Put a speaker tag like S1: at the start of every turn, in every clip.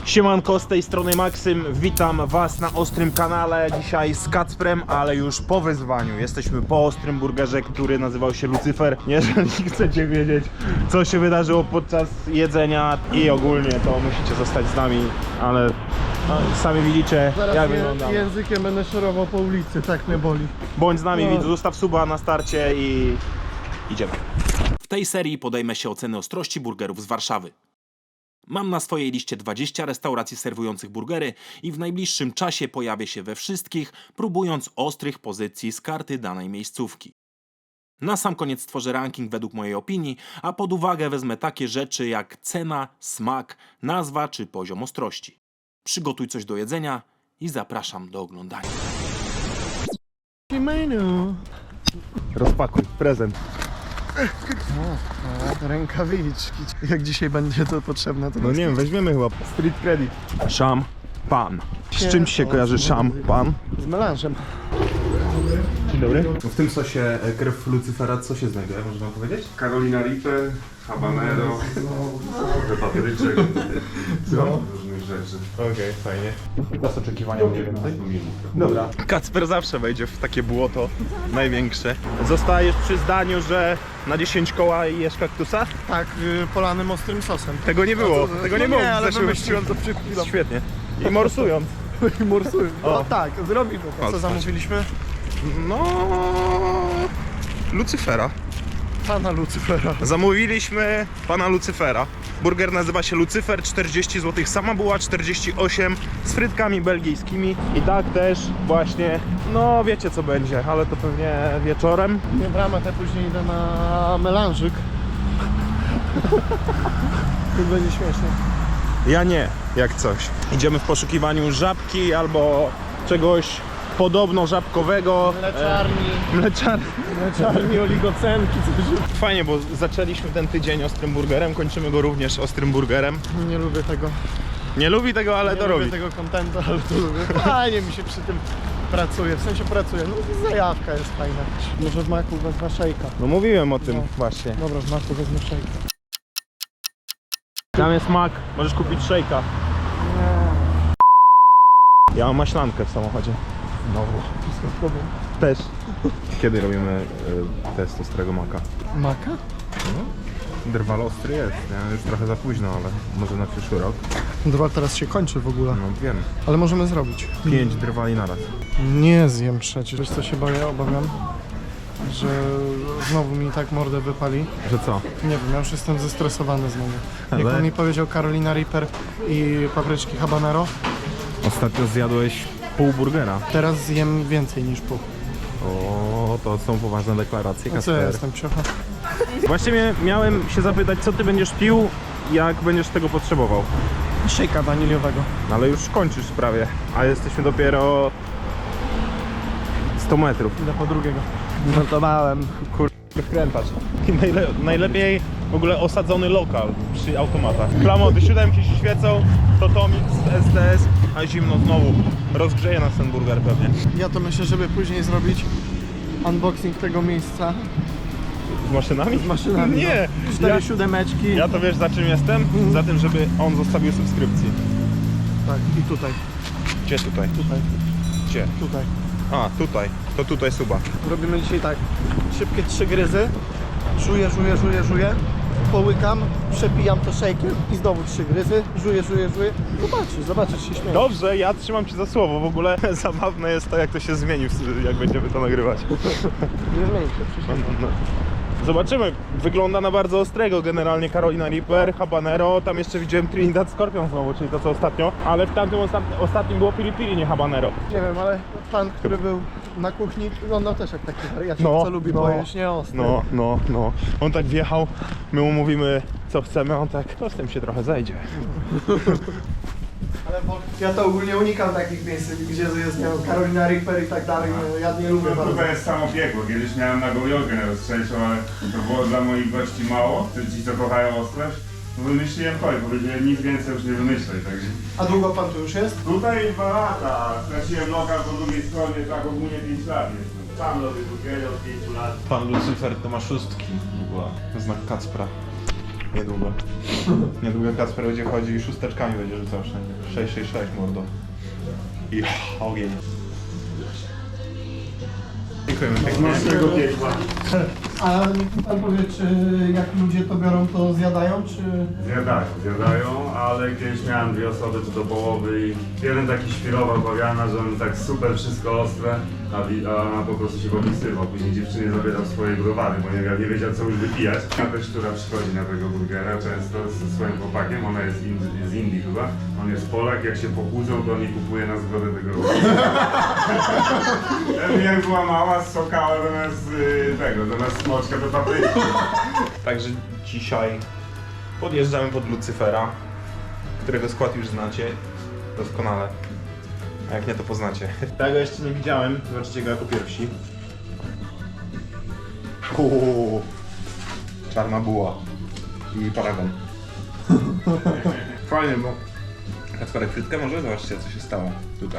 S1: Siemanko, z tej strony Maksym, witam was na Ostrym kanale. Dzisiaj z Kacprem, ale już po wyzwaniu. Jesteśmy po Ostrym Burgerze, który nazywał się Lucyfer. Jeżeli chcecie wiedzieć, co się wydarzyło podczas jedzenia i ogólnie, to musicie zostać z nami, ale no, sami widzicie,
S2: Zaraz
S1: jak wyglądam.
S2: językiem będę szorował po ulicy, tak mnie boli.
S1: Bądź z nami,
S2: No.
S1: zostaw suba na starcie i idziemy. W tej serii podejmę się oceny ostrości burgerów z Warszawy. Mam na swojej liście 20 restauracji serwujących burgery i w najbliższym czasie pojawię się we wszystkich, próbując ostrych pozycji z karty danej miejscówki. Na sam koniec stworzę ranking według mojej opinii, a pod uwagę wezmę takie rzeczy jak cena, smak, nazwa czy poziom ostrości. Przygotuj coś do jedzenia i zapraszam do oglądania.
S2: Menu.
S1: Rozpakuj, prezent.
S2: Rękawiczki. Jak dzisiaj będzie to potrzebne, to
S1: No nie wiem, weźmiemy chyba street credit. Szampan. Z czym się kojarzy szampan?
S2: z melanżem.
S1: Dzień dobry. W tym sosie krew Lucyfera co się znajduje, można powiedzieć?
S3: Carolina Reaper, habanero, trochę papryczek, różnych rzeczy.
S1: Okej, fajnie. Czas oczekiwania u Ciebie. Dobra. Kacper zawsze wejdzie w takie błoto największe. Zostajesz przy zdaniu, że na 10 koła i jesz kaktusa?
S2: Tak, polanym ostrym sosem.
S1: Tego nie było, tego nie było
S2: Nie,
S1: w
S2: ale
S1: zeszłym
S2: wymyśliłem to przed chwilą.
S1: Świetnie. I morsując.
S2: I morsuję.
S1: O.
S2: No tak, zrobimy to.
S1: Patrz,
S2: Co zamówiliśmy?
S1: No... Lucyfera.
S2: Pana Lucyfera.
S1: Zamówiliśmy pana Lucyfera. Burger nazywa się Lucyfer, 40 zł. Sama była 48 z frytkami belgijskimi. I tak też właśnie, no wiecie co będzie, ale to pewnie wieczorem.
S2: Nie w ramach, ja później idę na melanżyk. To będzie śmieszne.
S1: Ja nie, jak coś. Idziemy w poszukiwaniu żabki albo czegoś podobno żabkowego.
S2: Mleczarni, oligocenki, coś.
S1: Fajnie, bo zaczęliśmy ten tydzień ostrym burgerem, kończymy go również ostrym burgerem.
S2: Nie lubię tego.
S1: Nie lubi tego, ale
S2: Nie
S1: to
S2: lubię
S1: robi.
S2: tego kontentu, ale to lubię. Fajnie mi się przy tym pracuje, w sensie pracuje. No zajawka jest fajna. Może w maku wezmę szejka.
S1: No mówiłem o tym
S2: No.
S1: właśnie.
S2: Dobra, w maku wezmę szejka.
S1: Tam jest mak, możesz kupić szejka. Ja mam maślankę w samochodzie. Znowu.
S2: Wszystko w tobie.
S1: Też. Kiedy robimy test ostrego maka?
S2: Maka?
S1: Drwal ostry jest, nie? Już trochę za późno, ale może na przyszły rok.
S2: Drwal teraz się kończy w ogóle,
S1: No wiem.
S2: ale możemy zrobić.
S1: 5 drwali naraz.
S2: Nie zjem przecież. Wiesz co się boję? Obawiam, że znowu mi tak mordę wypali.
S1: Że co?
S2: Nie wiem, ja już jestem zestresowany znowu. Jak
S1: Ale-
S2: on mi powiedział Carolina Reaper i papryczki habanero,
S1: Ostatnio zjadłeś pół burgera.
S2: teraz zjem więcej niż pół.
S1: O, to są poważne deklaracje,
S2: No co ja
S1: Kasper.
S2: jestem psiocha?
S1: Właśnie miałem się zapytać, co ty będziesz pił, jak będziesz tego potrzebował.
S2: Szejka waniliowego.
S1: No ale już kończysz prawie, a jesteśmy dopiero 100 metrów.
S2: Idę po drugiego.
S1: Notowałem, wkrętacz. I najlepiej w ogóle osadzony lokal przy automatach. Klamoty, siódemki się świecą, Totomix, STS, a zimno znowu. Rozgrzeje nas ten burger pewnie.
S2: Ja to myślę, żeby później zrobić unboxing tego miejsca
S1: Z maszynami?
S2: z maszynami.
S1: Nie!
S2: No. 4
S1: Ja,
S2: siódemeczki.
S1: ja to wiesz za czym jestem? Za tym, żeby on zostawił subskrypcji.
S2: Tak, i tutaj,
S1: Gdzie tutaj?
S2: tutaj,
S1: Gdzie?
S2: tutaj.
S1: A, tutaj. To tutaj suba.
S2: Robimy dzisiaj tak, szybkie 3 gryzy, żuję, połykam, przepijam to szejkiem i znowu 3 gryzy, żuję. Zobaczysz, się śmieję.
S1: Dobrze, ja trzymam cię za słowo. W ogóle zabawne jest to, jak to się zmieni, jak będziemy to nagrywać.
S2: Nie zmieni się, przysięgam.
S1: No. Zobaczymy. Wygląda na bardzo ostrego generalnie Carolina Reaper, habanero. Tam jeszcze widziałem Trinidad Scorpion znowu, czyli to co ostatnio. Ale w tamtym ostatnim było piri piri, nie habanero.
S2: Nie wiem, ale pan, który był na kuchni, wyglądał też jak taki wariacik, co lubi pojeść, nie ostry.
S1: No. On tak wjechał, my mu mówimy co chcemy, a on tak, to z tym się trochę zejdzie.
S2: Ale bo ja to ogólnie unikam takich miejsc, gdzie jest, nie wiem, Carolina Reaper i tak dalej, ja nie lubię bardzo.
S3: Kurwa jest samo piekło. Kiedyś miałem na Gołjolkę na rozstrzejszą, ale to było dla moich gości mało. Ci co kochają ostrość. Wymyśliłem kolej, powiedziałem nic więcej już nie wymyślaj, także...
S2: A długo pan tu już jest?
S3: Tutaj 2 lata, straciłem lokal po drugiej stronie, tak ogólnie 5 lat jestem. Sam robię burgery od 5 lat.
S1: Pan Lucyfer to ma szóstki. Znak Kacpra.
S4: Niedługo. Niedługo Kacper będzie chodził i szósteczkami będzie rzucał wszędzie. 666 mordo. I ogień. Dziękujemy pięknie.
S3: Naszego piekła.
S2: A pan powie, czy jak ludzie to biorą, to zjadają, czy...
S3: Zjadają, ale kiedyś miałem 2 osoby tu do połowy i jeden taki świrował bawiana, że on tak super wszystko ostre, a po prostu się popisywał. Później dziewczynie zabierał swoje browary, bo nie wiedział co już wypijać. Ta też, która przychodzi na tego burgera często ze swoim chłopakiem, ona jest z Indii chyba, on jest Polak, jak się pokłócą, to nie kupuje na zgodę tego jak była mała, sokała zamiast zamiast smoczka do papryki.
S4: Także dzisiaj podjeżdżamy pod Lucyfera, którego skład już znacie doskonale. A jak nie, to poznacie. Tego jeszcze nie widziałem, zobaczycie go jako pierwsi. Czarna buła i paragon. Fajnie, bo... Kacperek, frytkę może? Zobaczcie, co się stało tutaj.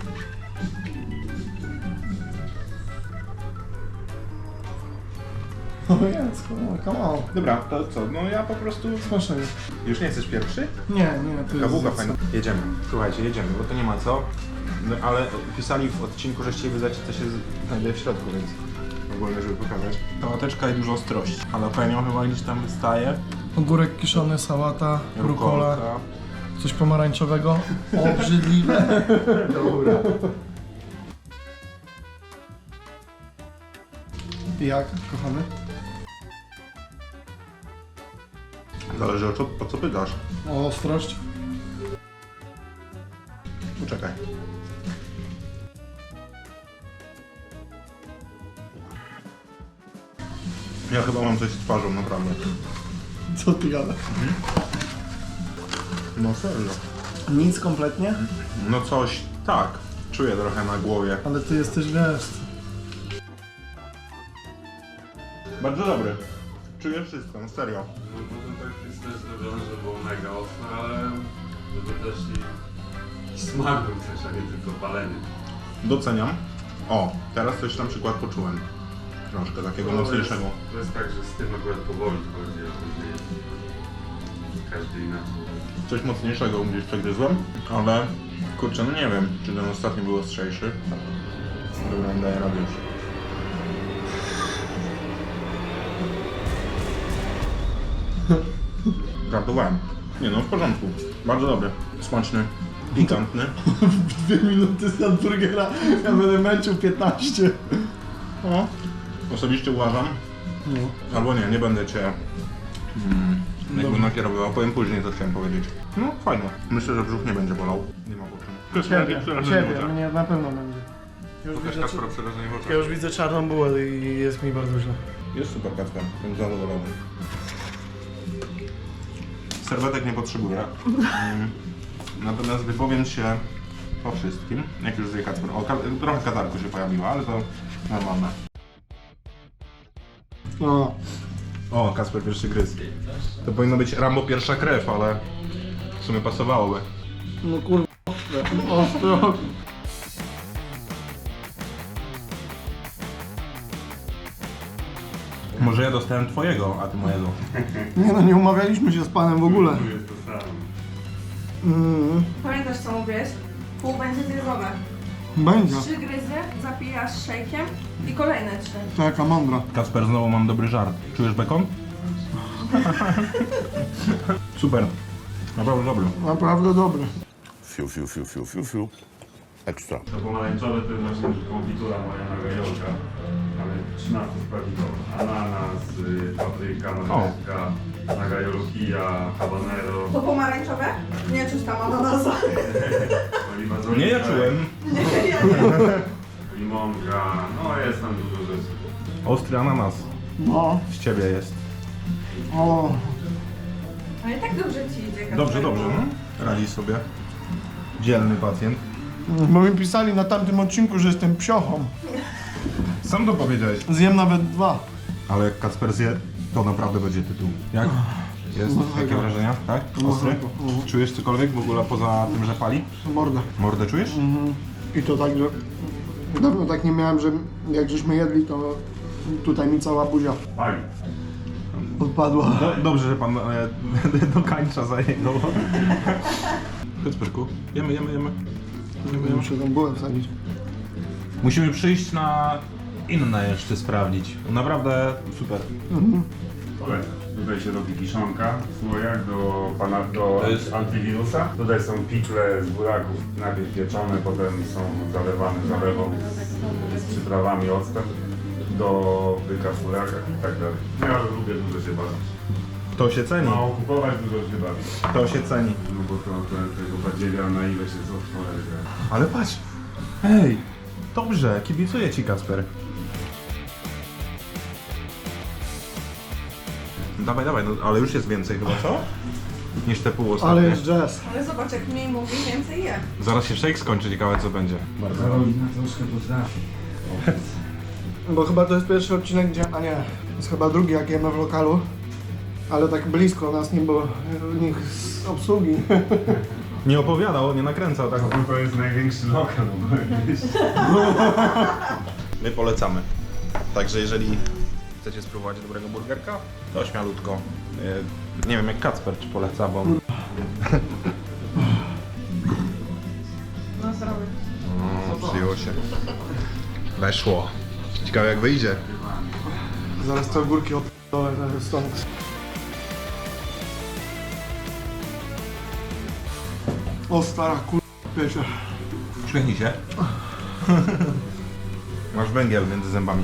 S2: O Jacku, come on.
S4: Dobra, to co? No ja po prostu...
S2: Smacznego.
S4: Już nie chcesz pierwszy?
S2: Nie, to jest...
S4: Kabułka fajna. Jedziemy. Słuchajcie, jedziemy, bo to nie ma co. No, ale pisali w odcinku, że chcieli wyznać, co się znajduje w środku, więc ogólnie, żeby pokazać. Sałateczka i dużo ostrości. Jalapeno chyba gdzieś tam wystaje.
S2: Ogórek kiszony, sałata, rucola,
S4: Rukolka.
S2: coś pomarańczowego. Obrzydliwe.
S4: Dobra.
S2: I jak, kochany?
S4: Zależy o co pytasz.
S2: O ostrość.
S4: Poczekaj. Ja chyba mam coś z twarzą, naprawdę.
S2: Co ty gadasz?
S4: No serio.
S2: Nic kompletnie?
S4: No coś, tak. Czuję trochę na głowie.
S2: Ale ty jesteś, wiesz...
S4: Bardzo dobry. Czuję wszystko, no serio.
S3: No może tak jest też zrobione, że było mega ostre, ale żeby też i smak był też, a nie tylko palenie.
S4: Doceniam. O, teraz coś na przykład poczułem. Troszkę takiego mocniejszego.
S3: To jest tak, że z tym akurat powoli chodzi, a później każdy inaczej.
S4: Coś mocniejszego gdzieś przegryzłem, ale kurczę, no nie wiem, czy ten ostatni był ostrzejszy. Dobra, nie daję rady już. Żartowałem. Nie no, w porządku. Bardzo dobry. Smaczny, pikantny.
S2: 2 minuty z hamburgera, ja będę męczył 15.
S4: O, osobiście uważam,
S2: No.
S4: albo nie będę cię jakby nakierowywał. Powiem później, co chciałem powiedzieć. No, fajnie. Myślę, że brzuch nie będzie bolał. Nie ma po czym.
S2: Ciebie, mnie na pewno będzie. Już widzę,
S4: Kacpera przerażenie w oczach.
S2: ja już widzę czarną bułę i jest mi bardzo źle.
S4: Jest super Kacper, jestem zadowolony. Serwetek nie potrzebuję. Natomiast wypowiem się po wszystkim, jak już zje Kacper. O, trochę katarku się pojawiła, ale to normalne.
S2: No.
S4: O, Kacper pierwszy gryz. To powinno być Rambo pierwsza krew, ale w sumie pasowałoby.
S2: No kurwa, ostro.
S4: Może ja dostałem twojego, a ty mojego.
S2: Nie no, nie umawialiśmy się z panem w ogóle.
S3: Tu jest to samo.
S5: Pamiętasz co mówiłeś? Pół będzie zjedzone.
S2: Będzie.
S5: 3 gryzy zapijasz szejkiem i kolejne 3.
S2: Taka mądra.
S4: Kacper, znowu mam dobry żart. Czujesz bekon? Super. Naprawdę dobry.
S2: Naprawdę dobry.
S6: Fiu, fiu, fiu, fiu, fiu, fiu. Ekstra.
S3: To pomarańczowe to jest właśnie konfitura moja na gajolka, ale 13 składnikowa. Ananas, papryka, marchewka, na gajolu kija, habanero,
S5: To pomarańczowe? Nie czuć tam ananasa.
S3: oliwa z oliwek,
S4: Nie, ja czułem.
S5: Nie, ja nie.
S3: limonka, no jest tam dużo rzeczy.
S4: Ostry ananas.
S2: No.
S4: Z ciebie jest.
S2: O.
S5: Ale i tak dobrze ci idzie.
S4: Dobrze, dobrze. Radzi sobie. Dzielny pacjent.
S2: Bo mi pisali na tamtym odcinku, że jestem psiochą.
S4: Sam to powiedziałeś.
S2: Zjem nawet 2.
S4: Ale jak Kacper zje, to naprawdę będzie tytuł. Jak? Jest? Jakie wrażenia? Tak? Ostry? Czujesz cokolwiek w ogóle poza tym, że pali?
S2: Morda.
S4: Mordę czujesz?
S2: I to tak, że dawno tak nie miałem, że jak żeśmy jedli, to tutaj mi cała buzia.
S3: Pali.
S2: Odpadła.
S4: Dobrze, że pan dokańcza za jego. Kacperku, jemy.
S2: Muszę tam bułę wsadzić.
S4: Musimy przyjść na inne jeszcze sprawdzić. Naprawdę super.
S3: Kolejne. Tutaj się robi kiszonka w słojach do
S4: To jest-
S3: antywirusa. Tutaj są pikle z buraków, najpierw pieczone, potem są zalewane zalewą z przyprawami, octem do byka w burakach i tak dalej. Ja lubię dużo się bawić.
S4: To się ceni.
S3: Mało kupować, dużo się bawić.
S4: To się ceni.
S3: No bo tego badziewia na ile się co cholery.
S4: Ale patrz. Ej, dobrze, kibicuję ci, Kacper. Dawaj, no, ale już jest więcej chyba, co? Niż te pół ostatnie.
S2: Ale jest jazz.
S5: Ale zobacz, jak mniej mówi, więcej je.
S4: Zaraz się shake skończy, ciekawe co będzie. Bardzo.
S3: Karolina troszkę potrafi.
S2: Bo chyba to jest pierwszy odcinek, gdzie... A nie, to jest chyba drugi, jak jemy w lokalu. Ale tak blisko nas nie było nikt z obsługi.
S4: Nie opowiadał, nie nakręcał, tak?
S3: No to jest największy lokal, no gdzieś.
S4: My polecamy. Także jeżeli chcecie spróbować dobrego burgerka, to śmialutko. Nie wiem jak Kacper czy poleca, bo...
S5: No zdrowie.
S4: Przyjęło się. Weszło. Ciekawe jak wyjdzie.
S2: Zaraz te ogórki odpalę stąd. O stara piecze.
S4: Uśmiechnij się. Masz węgiel między zębami.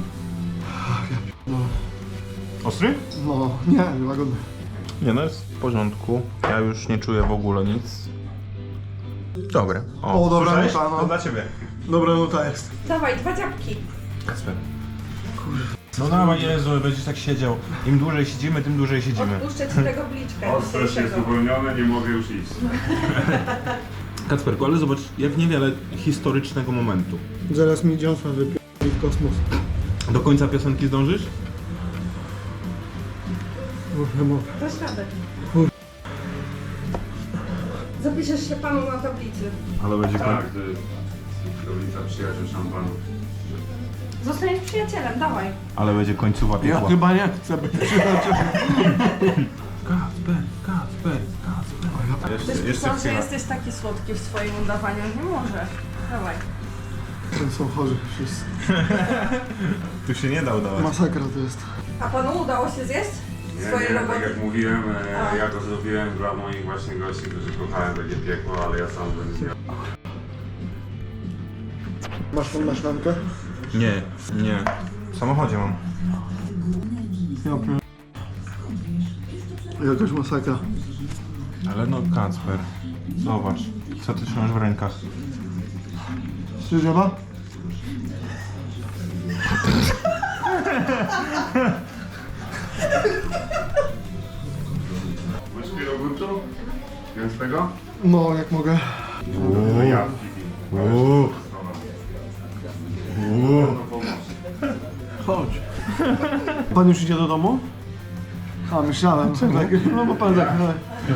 S4: Ostry?
S2: No, nie, łagodny.
S4: Nie no, jest w porządku. Ja już nie czuję w ogóle nic. Dobre.
S2: O, dobra
S4: słyszałeś?
S2: nuta, no.
S4: To dla ciebie.
S2: Dobra nuta jest.
S5: Dawaj, 2 dziabki.
S4: Kacper. No dawaj, Jezu, będziesz tak siedział. Im dłużej siedzimy, tym dłużej siedzimy.
S5: Odpuszczę ci tego bliczka
S3: Ostrość jest
S5: dzisiejszego.
S3: uwolnione, nie mogę już iść.
S4: Kacperku, ale zobacz, jak niewiele historycznego momentu.
S2: Zaraz mi dziąsła wypierdoli w kosmos.
S4: Do końca piosenki zdążysz?
S2: Nie mogę.
S5: Dasz radę. Zapiszesz się panu na tablicy.
S4: Ale będzie
S3: Tak, to jest ulica Przyjaciół Szampanów.
S5: Zostaniesz przyjacielem, dawaj.
S4: Ale będzie końcowa
S2: Ja
S4: piekła.
S2: chyba nie chcę być przyjacielem.
S4: Kacper.
S5: Ktoś pisał, że jesteś taki słodki w swoim udawaniu. Nie może. Dawaj.
S2: Ten są chorzy wszyscy.
S4: Tu się nie da udawać.
S2: Masakra to jest.
S5: A panu udało się zjeść? Swojej
S3: Nie, tak
S5: roboty?
S3: jak mówiłem, ja to zrobiłem dla moich właśnie gości, którzy kochają takie piekło, ale ja sam bym zjadł.
S2: Masz tą maślankę?
S4: Nie. W samochodzie mam.
S2: Ja pier... Jakaś masakra.
S4: Ale no Kacper, zobacz, co ty trzymasz w rękach.
S2: Strzyżowa?
S3: Łyżkę jogurtu? Gęstego?
S2: No, jak mogę.
S3: No ja
S2: Chodź. Pan już idzie do domu? A, myślałem. No bo pan tak, no.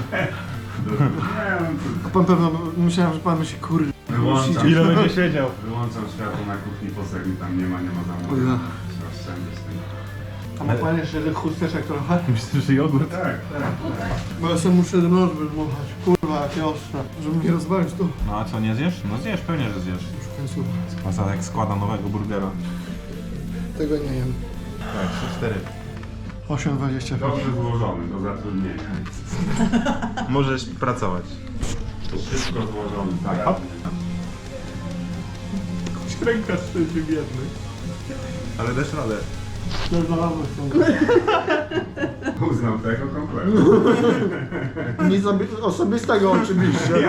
S2: A pan pewno, myślałem, że pan myśli, kurde.
S3: Wyłączam,
S4: Ile będzie siedział?
S3: wyłączam światło na kuchni, posegi tam nie ma
S2: O
S3: zamówienia.
S2: ja.
S3: Oszczędzę z tego.
S2: A ma pan jeszcze tych chusteczek trochę?
S4: Myślisz, że jogurt?
S3: Tak, tak.
S2: Bo ja sobie muszę nóż wydmuchać. Kurwa, jakie ostre. Żeby nie rozwalić to.
S4: No a co, nie zjesz? No zjesz, pewnie, że zjesz.
S2: Już w końcu
S4: Mazalek składa nowego burgera.
S2: tego nie jem.
S4: Tak, 4.
S2: 8,25.
S3: Dobrze złożony do zatrudnienia.
S4: Możesz pracować.
S3: Wszystko złożone, tak.
S4: Ręka szczęście biedny. Ale dasz radę.
S2: Ja znalazłem
S3: Uznał tego kompletnie.
S2: Nic osobistego oczywiście.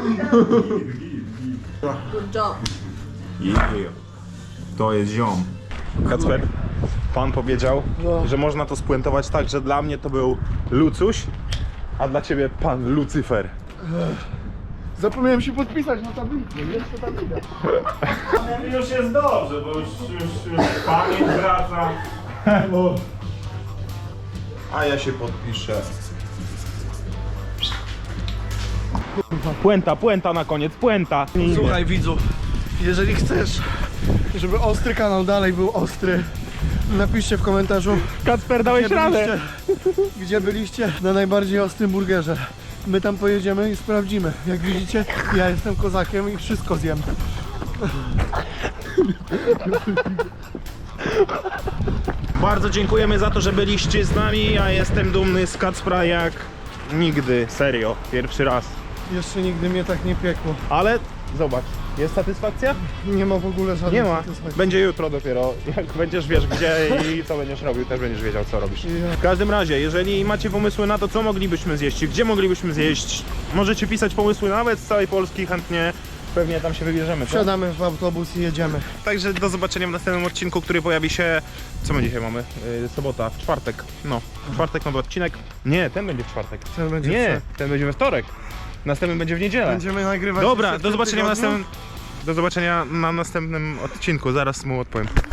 S5: Good job.
S4: Yeah. To jest ziom. Kacper, pan powiedział,
S2: No.
S4: że można to spuentować tak, że dla mnie to był Lucuś, a dla ciebie pan Lucyfer.
S2: Zapomniałem się podpisać na tablicy. Jeszcze tablica.
S3: Już jest dobrze, bo już pamięć wraca.
S4: A ja się podpiszę. Puenta na koniec, puenta.
S2: Słuchaj widzu, jeżeli chcesz, żeby ostry kanał dalej był ostry, Napiszcie w komentarzu,
S4: Kacper, dałeś radę!
S2: gdzie byliście na najbardziej ostrym burgerze. My tam pojedziemy i sprawdzimy. Jak widzicie, ja jestem kozakiem i wszystko zjem.
S4: Bardzo dziękujemy za to, że byliście z nami. Ja jestem dumny z Kacpra jak nigdy. Serio, pierwszy raz.
S2: Jeszcze nigdy mnie tak nie piekło.
S4: Ale zobacz, jest satysfakcja?
S2: Nie ma w ogóle żadnej
S4: Nie ma.
S2: satysfakcji.
S4: Będzie jutro dopiero. Jak będziesz wiesz gdzie i co będziesz robił, też będziesz wiedział co robisz.
S2: Ja.
S4: W każdym razie, jeżeli macie pomysły na to, co moglibyśmy zjeść, gdzie moglibyśmy zjeść, możecie pisać pomysły nawet z całej Polski, chętnie pewnie tam się wybierzemy. co?
S2: Wsiadamy w autobus i jedziemy.
S4: Także do zobaczenia w następnym odcinku, który pojawi się... Co my dzisiaj mamy? Sobota, w czwartek. No, w czwartek nowy odcinek. Nie, ten będzie w czwartek.
S2: Ten będzie
S4: Nie, ten będzie we wtorek. Następny będzie w niedzielę.
S2: Będziemy nagrywać.
S4: Dobra,
S2: jeszcze w
S4: do
S2: tym
S4: zobaczenia
S2: tygodniu.
S4: Do zobaczenia na następnym odcinku, zaraz mu odpowiem.